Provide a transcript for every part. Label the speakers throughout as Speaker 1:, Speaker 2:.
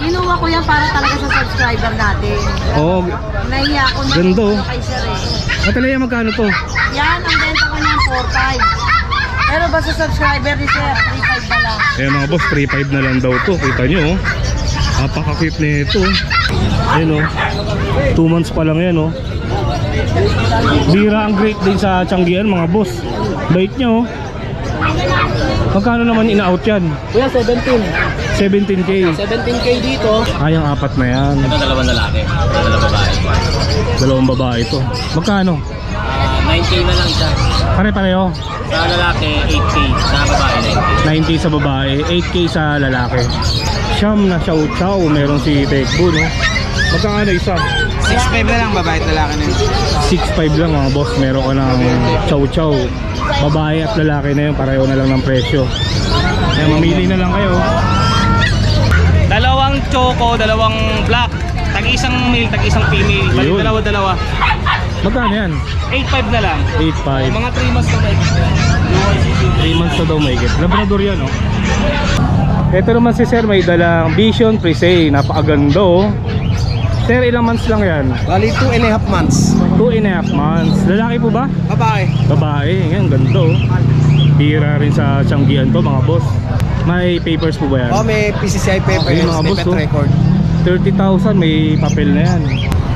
Speaker 1: Kinuha ko yan para talaga sa subscriber natin.
Speaker 2: Oo.
Speaker 1: Nahiya ako na
Speaker 2: Ganda, oh.
Speaker 1: kay sir eh.
Speaker 2: Atalaya, magkano to?
Speaker 1: Yan, ang benta ko niyan 4.5. Pero basta subscriber ni sir, 3.5 na lang.
Speaker 2: Ayan mga boss, 3.5 na lang daw to. Kita nyo oh. Napaka-cute nito. Ayan oh. 2 months pa lang yan oh. Bira ang great din sa Tianggian mga boss. Bait nyo oh. Magkano naman in-out yan?
Speaker 3: Kuya, 17.
Speaker 2: 17k.
Speaker 3: 17k dito.
Speaker 2: Ay, ang apat na yan.
Speaker 3: Ito dalawang lalaki. Dalawang babae.
Speaker 2: Dalawang babae ito. Magkano?
Speaker 3: 9k na lang siya.
Speaker 2: Pare-pareho.
Speaker 3: Sa lalaki, 8k. Sa babae, 9k.
Speaker 2: 9k sa babae, 8k sa lalaki. Siyam na chow-chow. Meron si Tekbo no. Magkano isa?
Speaker 3: 6.5 na lang, babae at lalaki na yun.
Speaker 2: 6.5 lang mga boss. Meron ka ng chow-chow. Babae at lalaki na yun. Pareho na lang ng presyo. Kaya mamili na lang kayo.
Speaker 3: Dalawang choco, dalawang black. Tag-isang male, tag-isang female. Balik
Speaker 2: Yun.
Speaker 3: dalawa-dalawa.
Speaker 2: Magkano yan?
Speaker 3: 8.5 na lang.
Speaker 2: 8.5.
Speaker 3: Mga 3 months na tayo.
Speaker 2: 3 months na daw may get. Labrador yan oh. Ito naman si sir may dalang Vision Presay. Napakaganda oh. Sir, ilang months lang yan?
Speaker 4: Bali 2.5 months.
Speaker 2: 2.5 months. Lalaki po ba?
Speaker 4: Babae.
Speaker 2: Babae. Yan, ganda oh. Bira rin sa Tianggian to mga boss. May papers po ba yan?
Speaker 4: Oh, may PCCI papers,
Speaker 2: Okay, mga
Speaker 4: may
Speaker 2: boss,
Speaker 4: pet
Speaker 2: oh.
Speaker 4: record.
Speaker 2: 30,000 may papel na yan.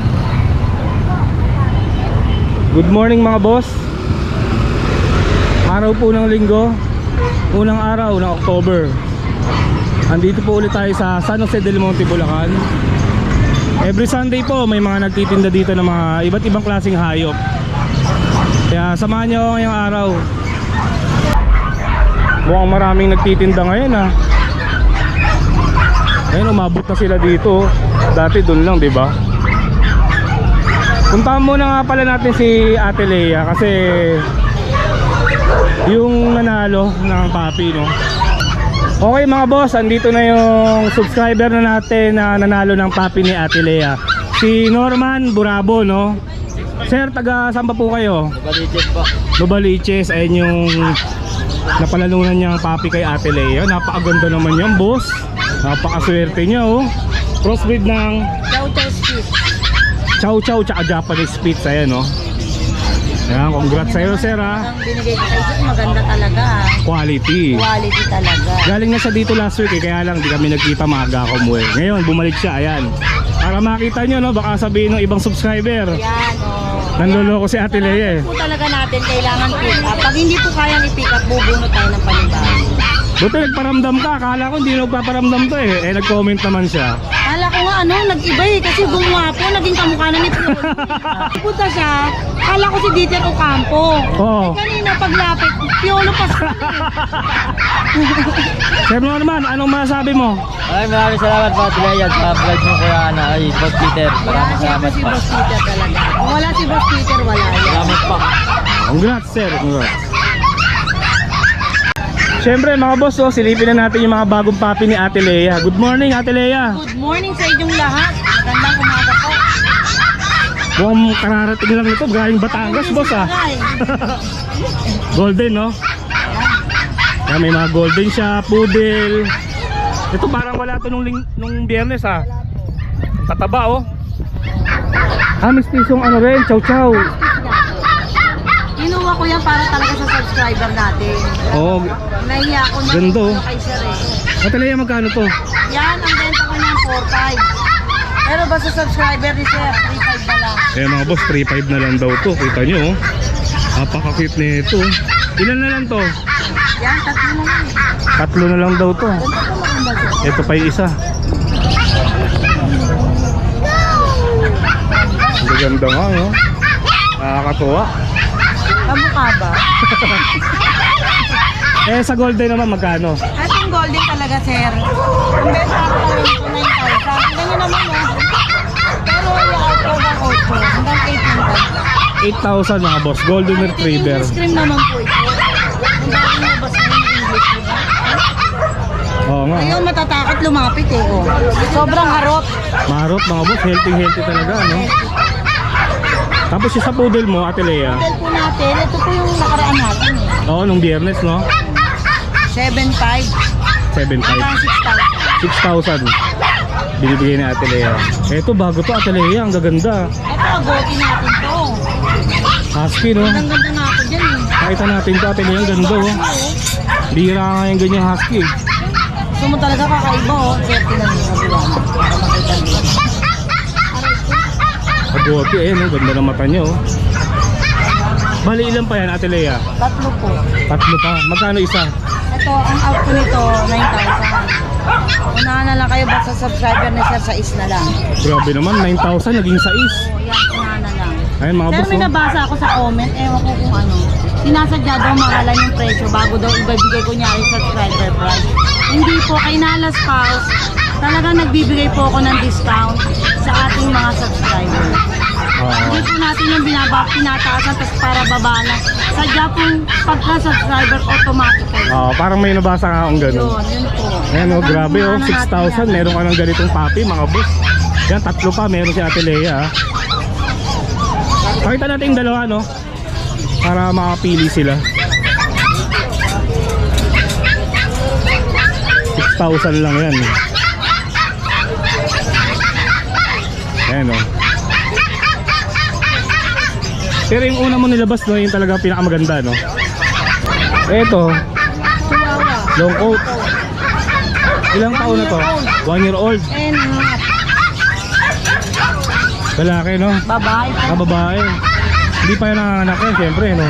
Speaker 2: Good morning mga boss. Araw po ng linggo. Unang araw ng October. Andito po ulit tayo sa San Jose del Monte, Bulacan. Every Sunday po may mga nagtitinda dito ng mga iba't ibang klaseng hayop. Kaya samahan nyo ako ngayong araw. Mukhang maraming nagtitinda ngayon ah. Ayun, umabot na sila dito. Dati doon lang, 'di ba? Puntahan muna nga pala natin si Ate Lea kasi yung nanalo ng papi, no? Okay mga boss, andito na yung subscriber na natin na nanalo ng papi ni Ate Lea. Si Norman Burabo, no? Sir, taga saan pa po kayo?
Speaker 3: Baliches po.
Speaker 2: Lubaliches, ayun yung napalalunan niyang papi kay Ate Lea. Napakaganda naman yan, boss. Napakaswerte niya, oh. Crossbreed ng
Speaker 1: Chow-chow spit.
Speaker 2: chow-chow tsaka Japanese Spitz, ayan, oh. Ayan, congrats sa'yo, sir, ha.
Speaker 1: Ang binigay ko kay sir, maganda talaga.
Speaker 2: Quality.
Speaker 1: Quality talaga.
Speaker 2: Galing na siya dito last week, eh, kaya lang di kami nagkita, maaga ako umuwi. Ngayon, bumalik siya, ayan. Para makita nyo, no, baka sabihin ng ibang subscriber,
Speaker 1: Yan, oh.
Speaker 2: nanloloko si Ate Lea, eh.
Speaker 1: Po talaga natin kailangan pick up. Pag hindi po kayang i-pick up, bubunot tayo ng panibago.
Speaker 2: Buti nagparamdam ka, akala ko hindi nagpaparamdam to, eh. Eh, nag-comment naman siya.
Speaker 1: Kala ko nga nag-iba eh kasi gumawa po, naging kamukha na ni Piolo. Punta siya, kala ko si Dieter Ocampo.
Speaker 2: Oo.
Speaker 1: Eh kanina paglapit, Piolo pa siya.
Speaker 2: Sir Norman, anong masasabi mo?
Speaker 3: Maraming salamat po, Tilea, sa vlog mo kuya Ana. Ay, Boss Peter.
Speaker 1: Yan, siyempre si Boss Peter talaga. Kung wala si Boss Peter, wala yan.
Speaker 3: Salamat po.
Speaker 2: Congrats, sir. Congrats. Siyempre mga boss, oh, silipin na natin yung mga bagong papi ni Ate Lea. Good morning, Ate Lea.
Speaker 1: Good morning sa inyong lahat. Magandang umaga po.
Speaker 2: Mukhang kararating lang ito, galing Batangas, boss, ah. Golden, no? Yan, may mga golden siya, poodle. Ito parang wala to nung biyernes, ah. Tataba, oh. Mistisong ano rin, chow-chow.
Speaker 1: Kinuha ko yan para talaga sa subscriber natin.
Speaker 2: Oh,
Speaker 1: Nahiya ako na
Speaker 2: Ganda, oh.
Speaker 1: kay sir eh.
Speaker 2: Ate Lea, magkano to?
Speaker 1: Yan, ang benta ko niyan 4.5. Pero basta subscriber ni sir, 3.5 na lang.
Speaker 2: Eh mga boss, 3.5 na lang daw to. Kita nyo, oh. Napaka-cute nito. Ilan na lang to?
Speaker 1: Yan, tatlo na lang eh.
Speaker 2: Tatlo na lang daw to.
Speaker 1: Ganda po maganda sir.
Speaker 2: Ito pa yung isa. Ang ganda nga, no? Nakakatuwa.
Speaker 1: Kamukha ba?
Speaker 2: Eh sa golden naman magkano?
Speaker 1: At yung golden talaga sir. Ang benta ko talaga ito 9,000. Ganyan naman oh. Pero yung out of ang 8 hanggang 18,000.
Speaker 2: 8,000 mga boss, golden retriever.
Speaker 1: English cream naman po ito. Ang dami nabas na yung English, diba?
Speaker 2: Oo nga.
Speaker 1: Ayaw matatakot lumapit eh. Oh. Sobrang harot.
Speaker 2: Marot mga boss, healthy talaga, no? Tapos yung sa poodle mo, Ate Lea.
Speaker 1: Hotel po natin, ito po yung nakaraan natin eh.
Speaker 2: Oo, nung biyernes, no?
Speaker 1: 7,500
Speaker 2: 7,500.
Speaker 1: hanggang 6,000.
Speaker 2: 6,000. Binibigay ni Ate Lea. Eto, bago to Ate Lea, ang gaganda.
Speaker 1: Ito, agotin natin to.
Speaker 2: Husky, no?
Speaker 1: Ang ganda nga ako dyan eh.
Speaker 2: Pakita natin to Ate Lea, ang ganda, oh. Bihira nga yung ganyang husky.
Speaker 1: Gusto mo talaga kakaiba oh. Safety lang yung kabila. Para makita dito.
Speaker 2: Agote, ayan, oh. Ganda ng mata niya, oh. Bali, ilan pa yan Ate Lea?
Speaker 1: Tatlo po.
Speaker 2: Tatlo pa. Magkano isa?
Speaker 1: Ito, ang out ko nito, 9,000. Unahan na lang kayo basta subscriber ni Sir sa is na lang.
Speaker 2: Grabe naman, 9,000 naging 6.
Speaker 1: O yan, unahan na lang.
Speaker 2: Ayun mga
Speaker 1: Pero
Speaker 2: boss,
Speaker 1: may
Speaker 2: oh.
Speaker 1: nabasa ako sa comment, ewan ko kung ano. Sinasadya daw mahalan yung presyo bago daw ibibigay ko nyari subscriber price. Hindi po, kay Nalas Pals, talagang nagbibigay po ako ng discount sa ating mga subscriber. Hindi po natin yung tinataasan tapos para baba na. Sadya pong pagka-subscriber automatically.
Speaker 2: Parang may nabasa nga akong gano'n.
Speaker 1: Yun po.
Speaker 2: Ayan, oh,
Speaker 1: Talagang
Speaker 2: grabe, oh.
Speaker 1: unahan na natin
Speaker 2: 6,000.
Speaker 1: yan.
Speaker 2: Meron ka ng ganitong papi, mga boss. Yan, tatlo pa. Meron si Ate Lea, ah. Pakita natin yung dalawa, no? Para makapili sila. 6,000 lang yan. Ayan, oh. Pero yung una mo nilabas, no, yung talaga pinakamaganda, no? Eto,
Speaker 1: Chihuahua.
Speaker 2: long coat. Ilang taon na to? 1 year old.
Speaker 1: And
Speaker 2: Lalaki, no?
Speaker 1: babae po.
Speaker 2: Babae. Hindi pa yan nanganak yan, syempre, no?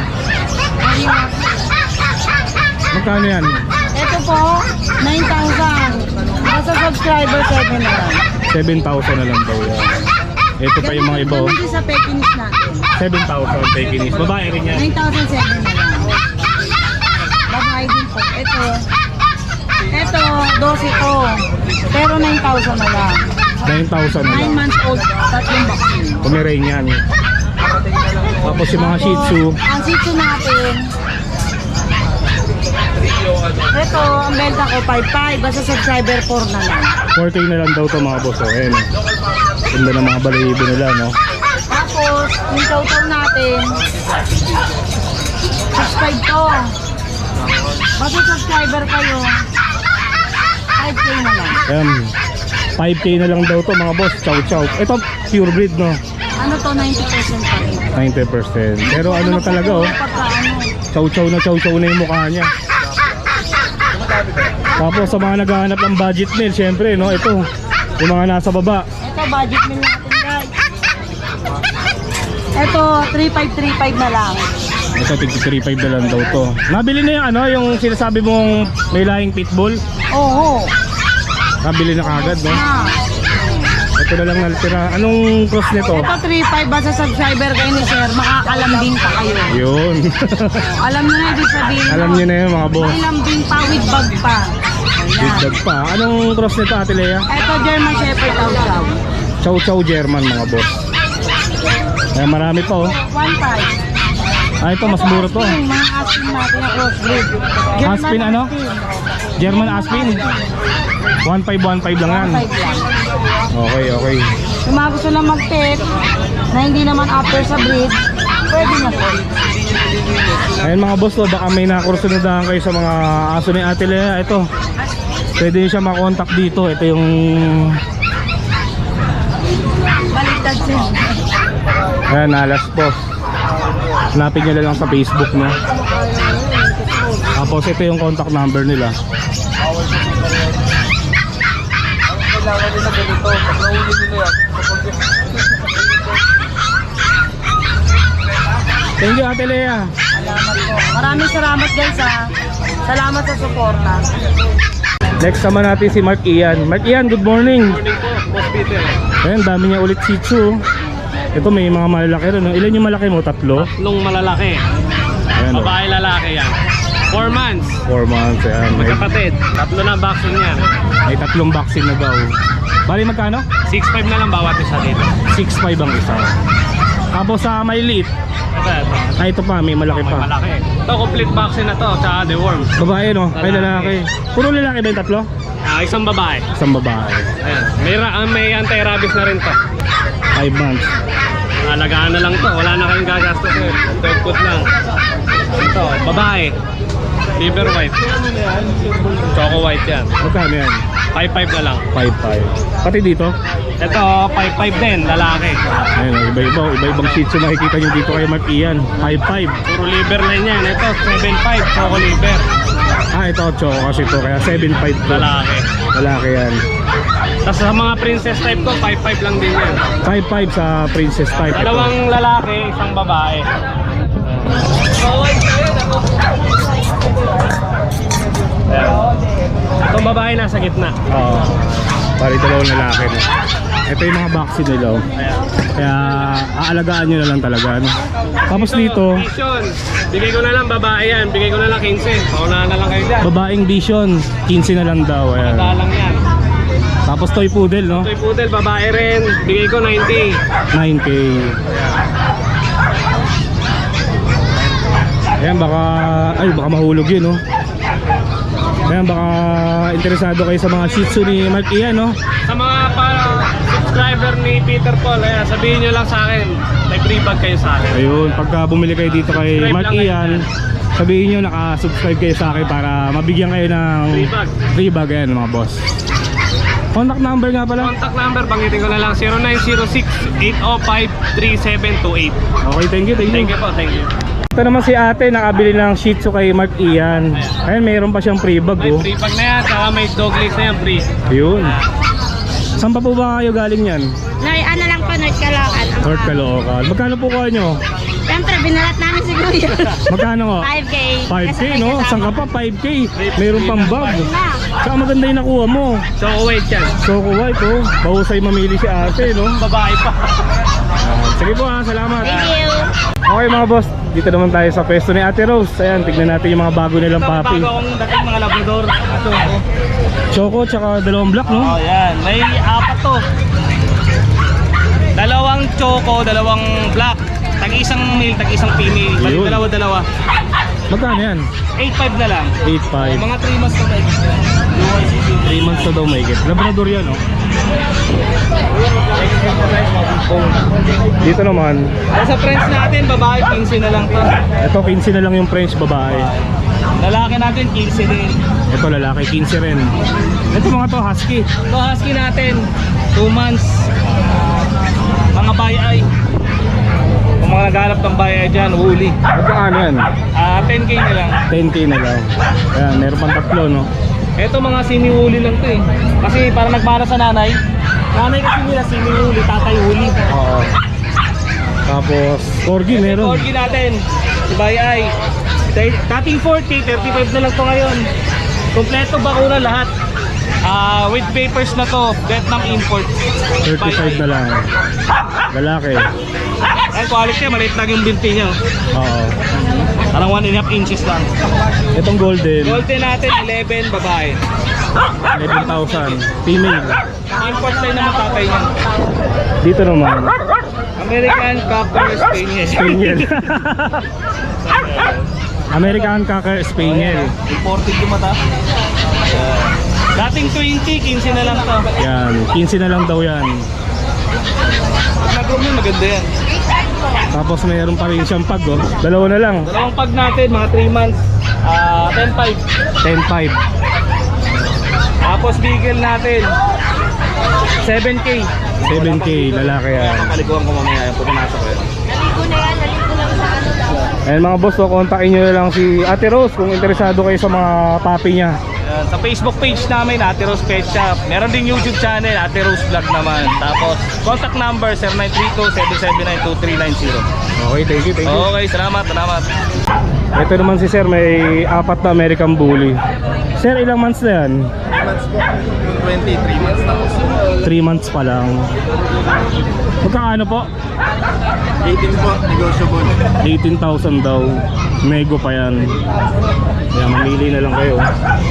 Speaker 2: Magkano yan?
Speaker 1: Ito po, 9,000. Basta subscriber 7 na lang.
Speaker 2: 7,000 na lang daw yan. Ito pa yung mga iba, oh.
Speaker 1: Ganun din sa Pekinese natin.
Speaker 2: 7,000 Pekinese. Babae rin yan.
Speaker 1: 9,007 na lang. Babae din po. Ito, 12 to. Pero 9,000 na lang.
Speaker 2: 9,000 na
Speaker 1: 9
Speaker 2: lang.
Speaker 1: months old, tatlong vaccine.
Speaker 2: Pomeranian. Tapos yung mga Shih Tzu.
Speaker 1: Ang Shih Tzu natin, ito, ang benta ko 5,500. Basta subscriber 4 na lang.
Speaker 2: 4K na lang daw to mga boss, oh. Ayan, oh. Ganda ng mga balahibo nila, no?
Speaker 1: Tapos, yung total natin, 6,500 to. Basta subscriber kayo, 5K na lang.
Speaker 2: Ayan. 5K na lang daw to mga boss. Chow chow. Ito, pure breed, no?
Speaker 1: Ano to, 90% pa rin.
Speaker 2: 90%. Pero ano na talaga, oh.
Speaker 1: Pagka ano,
Speaker 2: Chow chow na yung mukha niya. Tapos sa mga naghahanap ng budget meal, syempre, no? Ito, yung mga nasa baba.
Speaker 1: ito, budget meal natin guys. Ito, 3,535 na lang.
Speaker 2: Ito, 3.5 na lang daw to. Nabili na yung ano, yung sinasabi mong may lahing pitbull.
Speaker 1: Oo.
Speaker 2: Nabili na kagad, no?
Speaker 1: Ah.
Speaker 2: Ito na lang natira. Anong cross nito?
Speaker 1: Ito, 3,500 basta subscriber kayo ni Sir, makakalambing pa kayo.
Speaker 2: Yun.
Speaker 1: Alam nyo na ibig sabihin.
Speaker 2: Alam niyo na yun, mga boss.
Speaker 1: May lambing pa with bag pa.
Speaker 2: Big
Speaker 1: Ayan.
Speaker 2: dog pa. Anong cross nito, Ate Lea?
Speaker 1: Ito, German Shepherd Chow.
Speaker 2: Chow chow German, mga boss. Ay, marami pa, oh.
Speaker 1: 1,500.
Speaker 2: Ah, ito, mas mura to.
Speaker 1: Aspin, mga aspin natin na crossbreed.
Speaker 2: Aspin ano? German Aspin. 1,515 lang yan.
Speaker 1: 1,500 lang.
Speaker 2: Okay.
Speaker 1: Kung mga gusto lang mag-pet, na hindi naman after sa breed, pwede na po.
Speaker 2: Ayun mga boss, oh, baka may nakursunadahan kayo sa mga aso ni Ate Lea. Ito, pwede nyo siya makontak dito. Ito yung
Speaker 1: Baliktad siya.
Speaker 2: ayan, Nalas Boss. Hanapin nyo na lang sa Facebook, no? Tapos ito yung contact number nila. Thank you, Ate Lea.
Speaker 1: Salamat po. Maraming salamat guys ha. Salamat sa suporta.
Speaker 2: Next naman natin si Mark Ian. Mark Ian, good morning.
Speaker 3: Morning po, Boss Peter.
Speaker 2: Ayan, dami niya ulit Shih Tzu. Ito may mga malalaki rin, no? Ilan yung malaki mo? 3?
Speaker 3: Tatlong malalaki.
Speaker 2: Ayan, oh.
Speaker 3: Babae lalaki yan. 4 months.
Speaker 2: 4 months. Ayan,
Speaker 3: Magkapatid. Tatlo na vaccine yan.
Speaker 2: may 3 vaccine na daw. Bali magkano?
Speaker 3: 6,500 na lang bawat isa dito.
Speaker 2: 6.5 ang isa. Tapos sa may liit.
Speaker 3: Ito.
Speaker 2: Ito pa, may malaki
Speaker 3: May
Speaker 2: pa.
Speaker 3: malaki. Ito, complete vaccine na to. Tsaka deworms.
Speaker 2: Babae, no? Ay,
Speaker 3: Lalaki.
Speaker 2: lalaki. Puro lalaki ba yung 3?
Speaker 3: Isang babae.
Speaker 2: Isang babae.
Speaker 3: Ayan. May anti-rabies na rin to.
Speaker 2: 5 months.
Speaker 3: Alagaan na lang to. Wala na kayong gagastos eh. Dog food lang. Ito, babae. Liver white. Choco white yan.
Speaker 2: Magkano yan?
Speaker 3: 5,500 na lang.
Speaker 2: 5.5. Pati dito.
Speaker 3: Ito, 5'5 din, lalaki.
Speaker 2: Ayun, iba-ibang Shih Tzu makikita nyo dito kay Mark Ian. 5'5".
Speaker 3: Puro liver line yan. Ito, 7'5, choco liver.
Speaker 2: Ito, choco kasi ito, kaya 7'5 to.
Speaker 3: Lalaki.
Speaker 2: Lalaki yan.
Speaker 3: Tapos sa mga princess type ko, 5'5 lang din yan.
Speaker 2: 5'5 sa princess type. Ito.
Speaker 3: Dalawang lalaki, isang babae. Ayan. Itong babae nasa gitna.
Speaker 2: Oo. Pari dalawang lalaki, no? Ito yung mga vaccine nila, oh.
Speaker 3: Ayan.
Speaker 2: Kaya aalagaan nyo na lang talaga, no? Tapos dito,
Speaker 3: Vision. Bigay ko na lang babae yan. Bigay ko na lang 15. Paunahan na lang kayo dyan.
Speaker 2: babaeng vision, 15 na lang daw. Ayan.
Speaker 3: Dalang yan.
Speaker 2: Tapos toy poodle, no?
Speaker 3: Toy poodle, babae rin. Bigay ko 90.
Speaker 2: 9K. Ayan, baka mahulog yun, no? Ayan, baka interesado kayo sa mga Shih Tzu ni Mark Ian, no?
Speaker 3: Sa mga subscriber ni Peter Paul, ayan, sabihin nyo lang sa akin. May free bag kayo sa akin.
Speaker 2: Ayun, pagka bumili kayo dito kay
Speaker 3: Subscribe
Speaker 2: Mark
Speaker 3: lang kayo
Speaker 2: Ian, sabihin nyo naka-subscribe kayo sa akin para mabigyan kayo ng
Speaker 3: Free bag.
Speaker 2: free bag, ayan mga boss. Contact number nga pala.
Speaker 3: Contact number, banggitin ko na lang 0906-805-3728.
Speaker 2: Okay, thank you.
Speaker 3: Thank you po, thank you.
Speaker 2: Ito naman si ate, nakabili ng Shih Tzu kay Mark Ian. Ayun, mayroon pa siyang free bag,
Speaker 3: May
Speaker 2: oh.
Speaker 3: free bag na yan, saka may dog leash na yan, free.
Speaker 2: Ayun. Saan pa po ba kayo galing yan?
Speaker 5: Ano lang po, North Caloocan.
Speaker 2: North Caloocan. Magkano po kayo nyo?
Speaker 5: Siyempre, binalat namin si Kuya.
Speaker 2: Magkano nga?
Speaker 5: 5K.
Speaker 2: 5K, no? Saan ka pa? 5K. Mayroon pang bag.
Speaker 5: Na.
Speaker 2: Saka maganda yung nakuha mo.
Speaker 3: Choco white yan.
Speaker 2: Choco white, oh. Bahusay mamili si ate, no?
Speaker 3: Babae pa.
Speaker 2: Sige po, ha. Salamat.
Speaker 5: Thank you.
Speaker 2: Okay mga boss, dito naman tayo sa pwesto ni Ate Rose. Ayan, tignan natin yung mga bago nilang papi.
Speaker 3: Bago akong dating mga labrador. Ito.
Speaker 2: Choco tsaka dalawang black, no?
Speaker 3: Oh, yan. May apat to. Dalawang choco, dalawang black. Tag-isang male, tag-isang female. Bali
Speaker 2: Ayun.
Speaker 3: dalawa-dalawa.
Speaker 2: Magkano yan?
Speaker 3: 8.5 na lang.
Speaker 2: 8.5.
Speaker 3: Mga 3 months na tayo.
Speaker 2: 3 months na daw may get. Labrador yan, no? Dito naman,
Speaker 3: Sa friends natin, babae 15 na lang to.
Speaker 2: ito 15 na lang yung French babae.
Speaker 3: Lalaki natin 15 din.
Speaker 2: Ito lalaki, 15 rin. Ito mga to, husky.
Speaker 3: Ito husky natin, 2 months. Mga bayay. Kung mga naghanap ng bayay dyan, huli.
Speaker 2: Magkano yan?
Speaker 3: 10k na lang.
Speaker 2: 10K na lang. Ayan, meron pang tatlo, no?
Speaker 3: Ito mga semi-huli lang to eh. Kasi para nagmana sa nanay. Nanay kasi nila semi-huli, tatay huli.
Speaker 2: Oo. Tapos, corgi meron.
Speaker 3: Corgi natin, si bayay. Dating 40, 35 na lang to ngayon. Kompleto bakuna lahat. With papers na to, Vietnam import.
Speaker 2: 35 na lang. Lalaki.
Speaker 3: Ay, quality, maliit lang yung binti niya.
Speaker 2: Oo.
Speaker 3: Parang 1.5 inches lang.
Speaker 2: Itong golden,
Speaker 3: Golden natin, 11, babae.
Speaker 2: 11,000. Female.
Speaker 3: Import line naman tatay niya.
Speaker 2: Dito naman,
Speaker 3: American Cocker Spaniel.
Speaker 2: Spaniel. American Cocker Spaniel.
Speaker 3: Imported yung mata. Dating 20, 15 na lang to.
Speaker 2: Yan, 15 na lang daw yan.
Speaker 3: Pag nag-room yun, maganda yan.
Speaker 2: Tapos mayroon pa rin siyang pag, oh. Dalawa na lang.
Speaker 3: Dalawang pag natin, mga 3 months. 10.5.
Speaker 2: 10,500.
Speaker 3: Tapos bigel natin 7k.
Speaker 2: 7K, lalaki yan.
Speaker 3: Paliguan ko mamaya yung pupunasa ko yun.
Speaker 2: Ayan mga boss, so kontakin nyo na lang si Ate Rose kung interesado kayo sa mga papi niya.
Speaker 3: Sa Facebook page namin, Ate Rose Pet Shop. Meron din YouTube channel, Ate Rose Vlog naman. Tapos contact number 0932-779-2390.
Speaker 2: Okay, thank you, thank you.
Speaker 3: Okay, salamat.
Speaker 2: Ito naman si Sir, may 4 na American Bully. Sir, ilang months na yan?
Speaker 4: 23 months na.
Speaker 2: 3 months pa lang. Magkano po?
Speaker 4: 18 po, negotiable.
Speaker 2: 18,000 daw. Nego pa yan. Kaya mamili na lang kayo.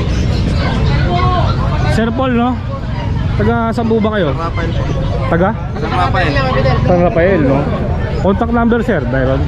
Speaker 2: Sir Paul, no? Taga saan po ba kayo?
Speaker 4: Rafael po.
Speaker 2: Taga?
Speaker 4: San Rafael.
Speaker 2: San Rafael, no? Contact number, sir, Byron.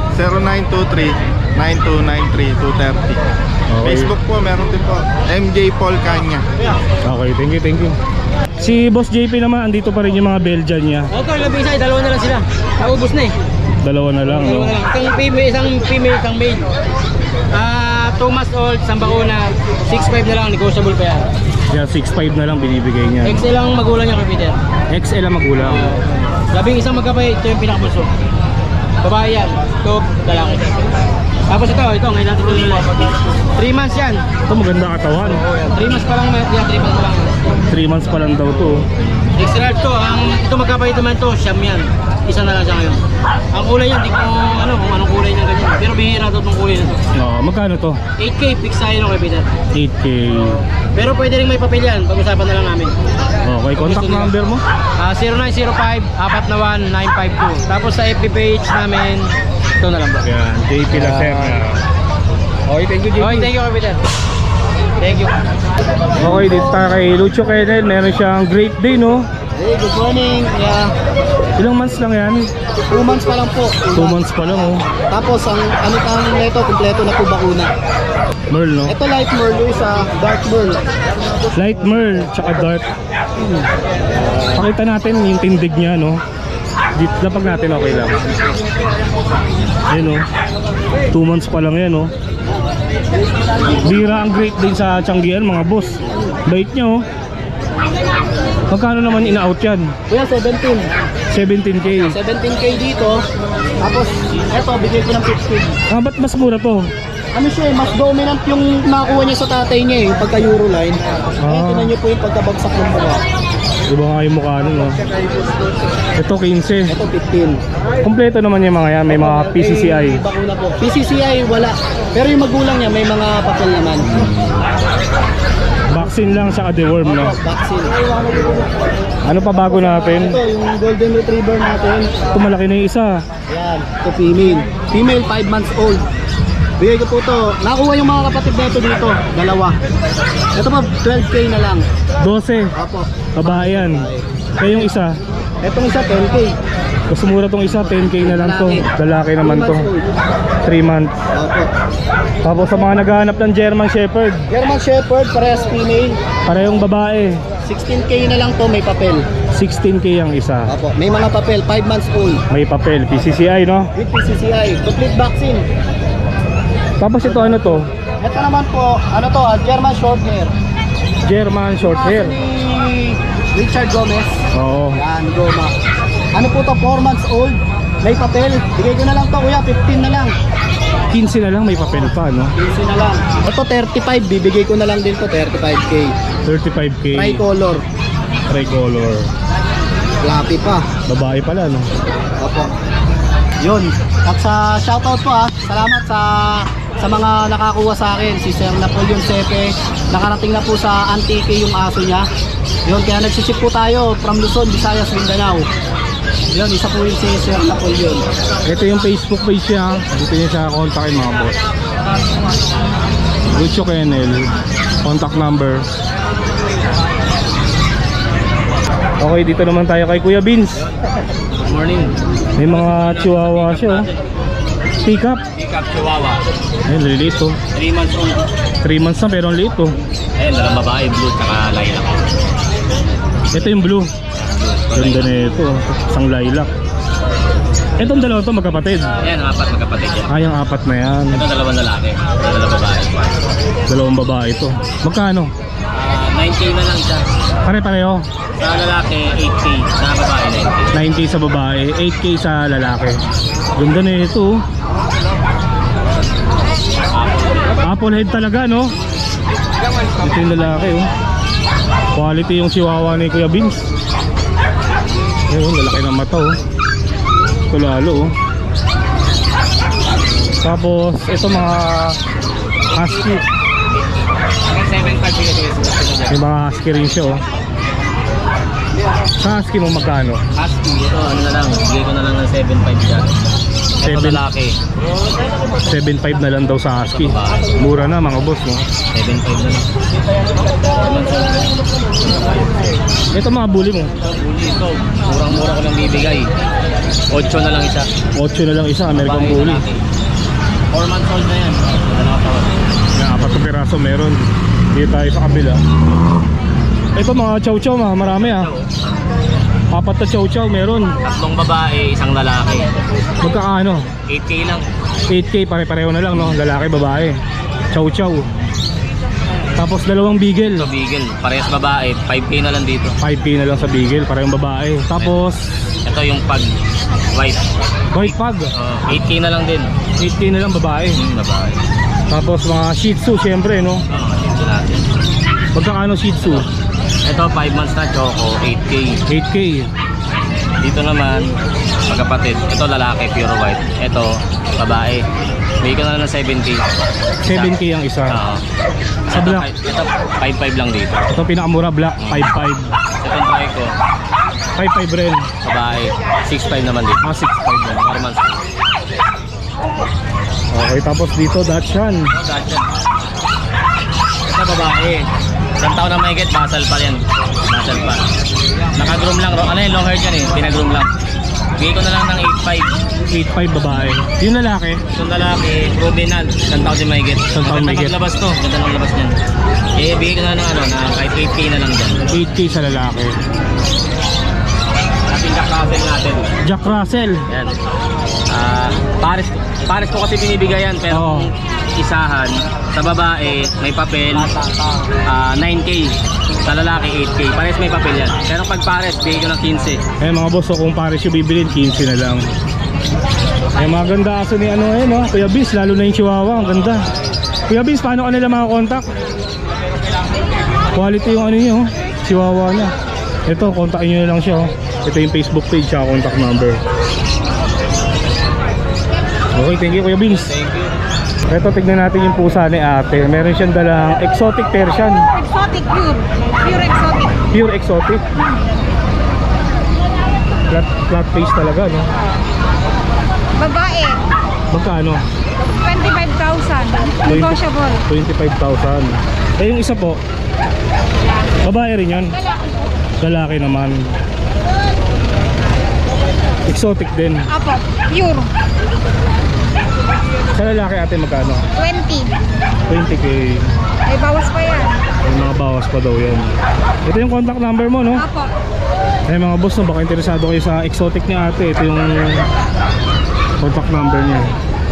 Speaker 4: 0923-9293-230. Facebook po, meron din po. MJ Paul Kanya.
Speaker 2: Okay, thank you. Si Boss JP naman, andito pa rin yung mga Belgian niya.
Speaker 3: Okay, labing isa, dalawa na lang sila. Naubos na eh.
Speaker 2: Dalawa na lang, no?
Speaker 3: Isang female, isang male. 2 months old, isang bakuna. 6.5 na lang, negotiable pa yan.
Speaker 2: Yan, 6.5 na lang binibigay niya.
Speaker 3: XL ang magulang niya, Peter.
Speaker 2: XL ang magulang.
Speaker 3: Labing isang magkapay, ito yung pinakabulso. Babae yan. Ito, lalaki. Tapos ito, ngayon natin ito nila. 3 months yan.
Speaker 2: Ito maganda katawan.
Speaker 3: 3 months pa lang, yan, 3 months pa lang.
Speaker 2: 3 months pa lang daw to.
Speaker 3: Extra to, ito magkapay naman to, siyam yan. Isa na lang siya ngayon. Ang kulay yan, di ko kung anong kulay niya ganyan. Pero bihira to itong kulay na to.
Speaker 2: Magkano to?
Speaker 3: 8K, fix tayo no, kay Peter.
Speaker 2: 8K.
Speaker 3: Pero pwede rin may papel yan, pag-usapan na lang namin.
Speaker 2: Okay, contact number mo?
Speaker 3: 0905-41952. Tapos sa FB page namin, ito na lang bro.
Speaker 2: Yan, JP Lacerna. Okay, thank you JP.
Speaker 3: Okay, thank you kay Peter. Thank you.
Speaker 2: Okay, dito tayo kay Lucho Kennel. Meron siyang Great Day, no?
Speaker 3: Hey, good morning. Yeah.
Speaker 2: Ilang months lang yan?
Speaker 3: 2 months pa lang po.
Speaker 2: 2 months pa lang, oh.
Speaker 3: Tapos ang nito, kumpleto na po bakuna.
Speaker 2: Merl, no?
Speaker 3: Ito light merl, yung isa dark merl.
Speaker 2: Light Merl, tsaka dark. Pakita natin yung tindig niya, no? Dito, lapag natin, okay lang. Ayun, no? 2 months pa lang yan, no? Bira ang Great Day sa Tianggian, mga boss. Bait niya, oh. Magkano naman in-out yan?
Speaker 3: Kuya, 17.
Speaker 2: 17K.
Speaker 3: 17K dito. Tapos, eto, bigay ko ng 15.
Speaker 2: Ba't mas mura to?
Speaker 3: Ano siya mas dominant yung nakuha niya sa tatay niya yung pagka-Euroline. Tingnan niyo po yung pagkabagsak ng mga.
Speaker 2: Diba nga yung mukha nun, no? Ito 15.
Speaker 3: Ito, 15.
Speaker 2: Kompleto naman yung mga yan. May mga PCCI.
Speaker 3: Bakuna po. PCCI, wala. Pero yung magulang niya, may mga papel naman.
Speaker 2: Vaccine lang sa deworm, no?
Speaker 3: Vaccine.
Speaker 2: Ano pa bago natin?
Speaker 3: Ito, yung golden retriever natin.
Speaker 2: Ito malaki na yung isa.
Speaker 3: Ayan, ito female. Female, 5 months old. Bigay ko po ito. Nakuha yung mga kapatid na ito dito. Dalawa. Ito po, 12K na lang.
Speaker 2: 12.
Speaker 3: Opo.
Speaker 2: Babae yan. Kaya yung isa.
Speaker 3: Itong isa, 10K.
Speaker 2: Mas mura tong isa. 10K na lang to. Lalaki naman to. 3 months.
Speaker 3: Opo.
Speaker 2: Tapos sa mga naghahanap ng German Shepherd.
Speaker 3: German Shepherd, parehas female.
Speaker 2: Parehong babae.
Speaker 3: 16K na lang to, may papel.
Speaker 2: 16K ang isa.
Speaker 3: Opo. May mga papel, 5 months old.
Speaker 2: May papel. PCCI, no?
Speaker 3: With PCCI, complete vaccine.
Speaker 2: Tapos ito ano to?
Speaker 3: Ito naman po, German short hair.
Speaker 2: German short hair.
Speaker 3: Ni Richard Gomez.
Speaker 2: Oo.
Speaker 3: Yan, Goma. Ano po to, 4 months old. May papel. Bigay ko na lang to, kuya, 15 na lang.
Speaker 2: 15 na lang, may papel pa, no?
Speaker 3: 15 na lang. Ito 35, bibigay ko na lang din to, 35K.
Speaker 2: 35K.
Speaker 3: Tricolor.
Speaker 2: Tricolor.
Speaker 3: Lapi pa.
Speaker 2: Babae pala, no?
Speaker 3: Opo. Yun. At sa shoutout po salamat sa mga nakakuha sa akin. Si Sir Napoleon Sepe, nakarating na po sa Antique yung aso niya. Yun, kaya nagsisip po tayo from Luzon, Visayas, Mindanao. Yun, isa po yung si Sir Napoleon.
Speaker 2: Ito yung Facebook page niya. Dito niya siya kontakin, mga boss. Lucho Kennel. Contact number. Okay, dito naman tayo kay Kuya Vince.
Speaker 3: Morning.
Speaker 2: May mga chihuahua siya, oh. Pick up.
Speaker 3: Pick up Chihuahua.
Speaker 2: Ayun, liliit, oh.
Speaker 3: 3 months old.
Speaker 2: 3 months na pero ang liit, oh.
Speaker 3: Ayun, dalang babae, blue, tsaka lilac.
Speaker 2: Ito yung blue. Ganda na ito, oh. Isang lilac. Itong dalawa to magkapatid.
Speaker 3: Ayan, ang 4 magkapatid yan.
Speaker 2: Ay, ang 4 na yan.
Speaker 3: Ito 2 lalaki, 2 babae.
Speaker 2: 2 babae ito. Magkano?
Speaker 3: 9K na lang siya.
Speaker 2: Pare-pareho.
Speaker 3: Sa lalaki, 8K. Sa babae, 9K.
Speaker 2: 9K sa babae, 8K sa lalaki. Ganda na ito, oh. Apple head talaga, no? Ito yung lalaki, oh. Quality yung chihuahua ni Kuya Vince. Ayun, lalaki ng mata, oh. Ito lalo, oh. Tapos, ito mga husky.
Speaker 3: 7.5
Speaker 2: May mga husky rin siya, oh. Sa husky mo magkano?
Speaker 3: Husky, ito ano na lang, bigay ko na lang ng 7.5 dyan. Ito
Speaker 2: 7.
Speaker 3: lalaki,
Speaker 2: 7.5 na lang daw sa husky. Mura na, mga boss, no?
Speaker 3: 7.5 na lang.
Speaker 2: Ito mga bully mo.
Speaker 3: Bully ito, murang-mura ko lang bibigay. 8 na lang isa.
Speaker 2: 8 na lang isa, American
Speaker 3: Babae,
Speaker 2: bully.
Speaker 3: lalaki. 4 months old na yan.
Speaker 2: Na 4 na piraso meron. Dito tayo sa kabila. Ito mga chow-chow, marami, ah. 4 na chow-chow meron.
Speaker 3: 3 babae, 1 lalaki.
Speaker 2: Magkaano?
Speaker 3: 8K lang.
Speaker 2: 8K, pare-pareho na lang, no? Lalaki, babae. Chow-chow. Tapos dalawang beagle.
Speaker 6: Ito Beagle, parehas babae, 5K na lang dito.
Speaker 2: 5K na lang sa beagle, parehong babae. Tapos
Speaker 6: Ito yung pag white,
Speaker 2: white pug,
Speaker 6: 8K na lang din.
Speaker 2: 8K na lang babae.
Speaker 6: Babae.
Speaker 2: Tapos mga Shih Tzu syempre, no?
Speaker 6: Ito natin.
Speaker 2: Magkano Shih Tzu?
Speaker 6: Ito 5 months na choco, 8K.
Speaker 2: 8K.
Speaker 6: Dito naman, magkapatid. Ito lalaki, pure white. Ito, babae. Bigay ko na lang ng 7K.
Speaker 2: 7K ang isa.
Speaker 6: Oo.
Speaker 2: Sa black?
Speaker 6: Ito, 5.5 lang dito.
Speaker 2: Ito pinakamura, black, 5.5.
Speaker 6: Itong try ko,
Speaker 2: 5.5 rin.
Speaker 6: babae, 6.5 naman dito.
Speaker 2: 6.5 lang.
Speaker 6: 4 months.
Speaker 2: Okay, tapos dito Dachshund.
Speaker 6: Gotcha. Ito babae. Isang taon na mahigit, basal pa yan. Basal pa. Naka-groom lang. Ano yun, long hair yan eh. Pinagroom lang. Bigay ko na lang ng 8.5.
Speaker 2: 8.5 babae. Yung lalaki,
Speaker 6: Itong lalaki, provenant. Isang taon din mahigit.
Speaker 2: Isang taon
Speaker 6: Maganda
Speaker 2: mahigit.
Speaker 6: maglabas to. Ganda ng labas niyan. Eh, bigay ko na ng ano, na kahit 8K na lang dyan.
Speaker 2: 8K sa lalaki.
Speaker 6: Ating kakasel natin.
Speaker 2: Jack Russell.
Speaker 6: Yan. Pares ko kasi binibigayan pero
Speaker 2: Oo.
Speaker 6: kung isahan sa babae may papel 9K, sa lalaki 8K. Pares may papel yan. Pero pag pares bigay ko ng 15.
Speaker 2: Eh mga boss, so kung pares yung bibilin, 15 na lang. Eh mga ganda aso ni ano eh, no? Kuya Biz, lalo na yung Chihuahua, ang ganda. Kuya Biz, paano ka nila makakontakt? Quality yung ano niyo, Chihuahua niya. Ito, kontakin nyo na lang siya. Ito yung Facebook page, siya contact number. Okay, thank you Kuya Biz.
Speaker 6: Thank you.
Speaker 2: Ito, tignan natin yung pusa ni ate. Meron siyang dalang exotic Persian.
Speaker 5: Exotic pure. Pure exotic.
Speaker 2: Pure exotic. Flat face talaga, no?
Speaker 5: Babae.
Speaker 2: Magkano?
Speaker 5: 25,000. Negotiable.
Speaker 2: 25,000. Eh yung isa po, babae rin yan. Lalaki naman. Exotic din.
Speaker 5: Apo. Pure.
Speaker 2: Sa lalaki ate magkano?
Speaker 5: 20.
Speaker 2: 20k.
Speaker 5: May bawas pa yan.
Speaker 2: May mga bawas pa daw yan. Ito yung contact number mo, no?
Speaker 5: Apo.
Speaker 2: Eh mga boss, no, baka interesado kayo sa exotic ni ate. Ito yung contact number niya.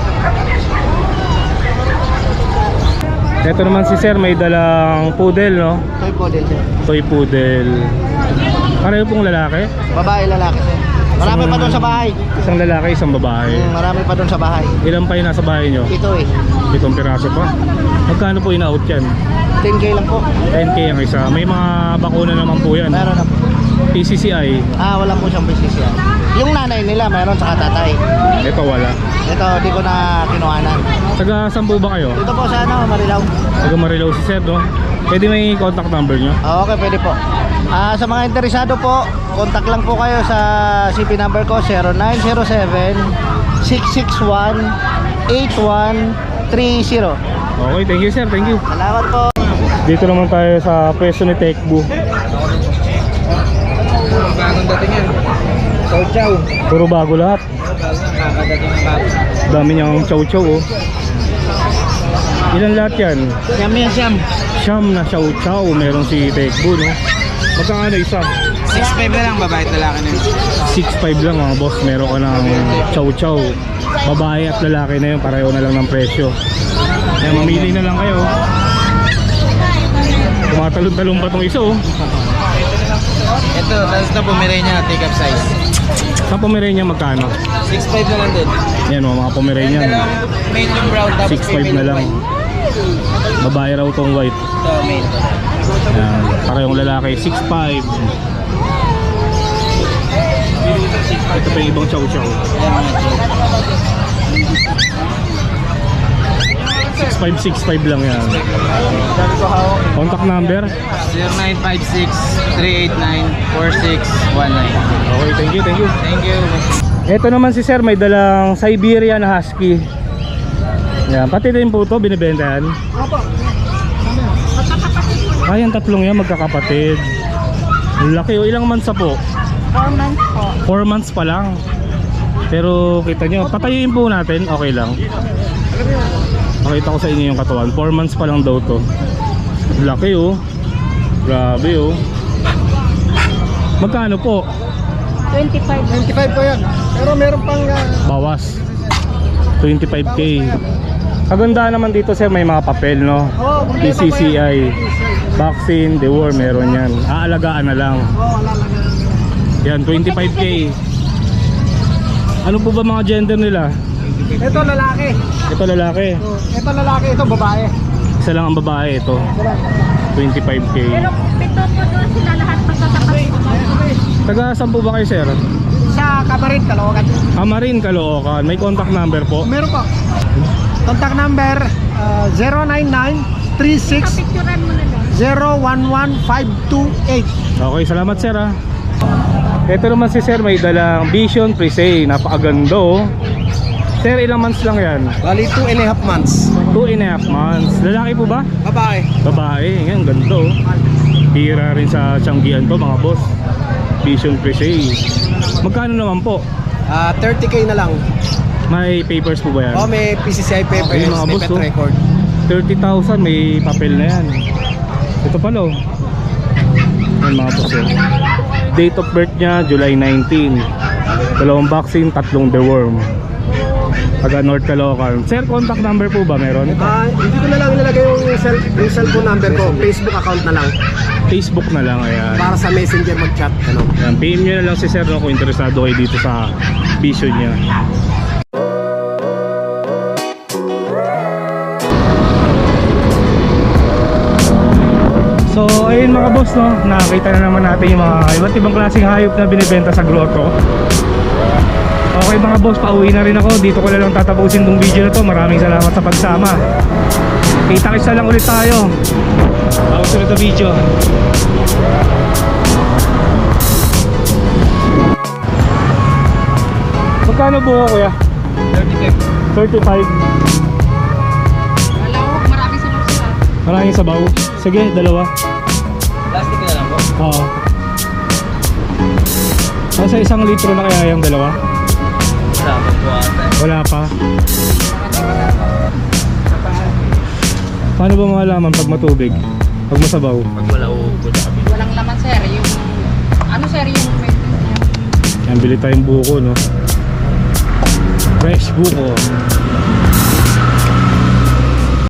Speaker 2: Ito naman si sir, may dalang poodle, no?
Speaker 3: Toy poodle sir.
Speaker 2: Toy poodle. Pareho pong lalaki?
Speaker 3: Babae, lalaki sir. Marami pa doon sa bahay.
Speaker 2: Isang lalaki, isang babae.
Speaker 3: Marami pa doon sa bahay.
Speaker 2: Ilan pa yung nasa bahay nyo?
Speaker 3: Ito eh.
Speaker 2: 7 piraso pa. Magkano po in-out yan?
Speaker 3: 10K lang po.
Speaker 2: 10k ang isa. May mga bakuna naman po yan.
Speaker 3: Meron na po.
Speaker 2: PCCI.
Speaker 3: Wala po siyang business yan. Yung nanay nila, meron sa tatay.
Speaker 2: Ito wala.
Speaker 3: Ito, di ko na kinuhanan.
Speaker 2: Taga saan po ba kayo?
Speaker 3: Ito po sa ano, Marilao.
Speaker 2: Taga Marilao si sir, no? Pwede may contact number nyo?
Speaker 3: Okay, pwede po. Sa mga interesado po, contact lang po kayo sa CP number ko 0907-661-8130.
Speaker 2: Okay, thank you sir, thank you.
Speaker 3: Salamat po.
Speaker 2: Dito naman tayo sa pwesto ni Tekbu.
Speaker 3: Bagong dating yan. Chow chow.
Speaker 2: Puro bago lahat.
Speaker 3: Kakadating ng bago.
Speaker 2: Dami niyang chow chow, oh. Ilan lahat yan?
Speaker 3: Siyam yan, siyam.
Speaker 2: Siyam na chow chow. Meron si Tekbu, no? Magkano isa?
Speaker 3: 6'5 na lang, babae at lalaki na yun.
Speaker 2: 6.5 lang mga boss. Meron ka ng chow chow. Babae at lalaki na yun. Pareho na lang ng presyo. Kaya mamili na lang kayo. Tumatalon-talon pa itong isa, oh.
Speaker 3: Ito, tapos na Pomeranian na take up size.
Speaker 2: Sa Pomeranian magkano?
Speaker 3: 6'5 na lang din.
Speaker 2: Yan, mga Pomeranian.
Speaker 3: Medium brown, tapos
Speaker 2: 6.5 na lang. Babae raw tong white.
Speaker 3: Ito, main.
Speaker 2: Yan, parehong lalaki 6'5". Ito pa yung ibang chow chow. 6'5" lang yan. Contact number?
Speaker 3: 0956-389-4619.
Speaker 2: Okay, thank you, thank you.
Speaker 3: Thank you.
Speaker 2: Ito naman si sir, may dalang Siberian Husky. Yan, pati din po ito, binibenta yan. Ay, ang tatlong yan, magkakapatid. Laki, o ilang months na po?
Speaker 5: 4 months po.
Speaker 2: 4 months pa lang. Pero kita nyo, patayuin po natin, okay lang. Pakita ko sa inyo yung katawan, 4 months pa lang daw to. Laki, oh. Grabe, oh. Magkano po?
Speaker 5: 25.
Speaker 3: 25 po yan. Pero meron pang...
Speaker 2: Bawas 25k. Kaganda naman dito sir, may mga papel no.
Speaker 3: Oo, kompleto po
Speaker 2: PCCI, vaccine, deworm, meron yan. Aalagaan na lang.
Speaker 3: Oo, wala lang.
Speaker 2: Yan, 25k. Ano po ba mga gender nila?
Speaker 3: Ito lalaki.
Speaker 2: Ito lalaki.
Speaker 3: Ito lalaki, ito babae.
Speaker 2: Isa lang ang babae ito. 25k.
Speaker 5: Pito po doon sila lahat magsasabi.
Speaker 2: Taga saan po ba kayo sir?
Speaker 3: Sa Cabaret, Caloocan.
Speaker 2: Amarin, Caloocan. May contact number po.
Speaker 3: Meron po. Contact number 099-36
Speaker 5: Picturean mo na lang.
Speaker 3: 011-528.
Speaker 2: Okay, salamat sir ha. Ito naman si sir, may dalang Vision Presay. Napakaganda oh. Sir, ilang months lang yan?
Speaker 3: Bali 2.5 months.
Speaker 2: 2.5 months. Lalaki po ba?
Speaker 3: Babae.
Speaker 2: Babae, yan, ganda oh. Tira rin sa Tianggian to mga boss. Vision Presay. Magkano naman po?
Speaker 3: 30k na lang.
Speaker 2: May papers po ba yan?
Speaker 3: Oh, may PCCI papers,
Speaker 2: Ayun, mga
Speaker 3: may
Speaker 2: boss,
Speaker 3: pet
Speaker 2: oh.
Speaker 3: record.
Speaker 2: 30,000, may papel na yan. Ito pala oh. Yan mga boss oh. Date of birth niya, July 19. 2 vaccine, 3 deworm. Taga North Caloocan. Sir, contact number po ba meron?
Speaker 3: Hindi ko na lang ilalagay yung cellphone number ko. Facebook account na lang.
Speaker 2: Facebook na lang, ayan.
Speaker 3: Para sa messenger mag-chat. Ano?
Speaker 2: Ayan, PM nyo na lang si Sir no, kung interesado kayo dito sa vision niya. So ayun mga boss no, nakakita na naman natin yung mga iba't ibang klaseng hayop na binibenta sa grotto. Okay mga boss, pauwi na rin ako. Dito ko na lang tatapusin tong video na to. Maraming salamat sa pagsama. Kita-kits na lang ulit tayo sa susunod na video. Magkano buo kuya? 35.
Speaker 5: Maraming sabaw sila.
Speaker 2: Maraming sabaw. Sige, dalawa.
Speaker 6: Plastic na lang po.
Speaker 2: Oo. Nasa 1 litro na kaya yung dalawa?
Speaker 6: Dapat po ata.
Speaker 2: Wala pa. Paano ba malalaman pag matubig? Pag masabaw?
Speaker 6: Pag wala upo sa kabila.
Speaker 5: Walang laman sir. Yung, ano sir yung
Speaker 2: Yan, bili tayong buko no. Fresh buko.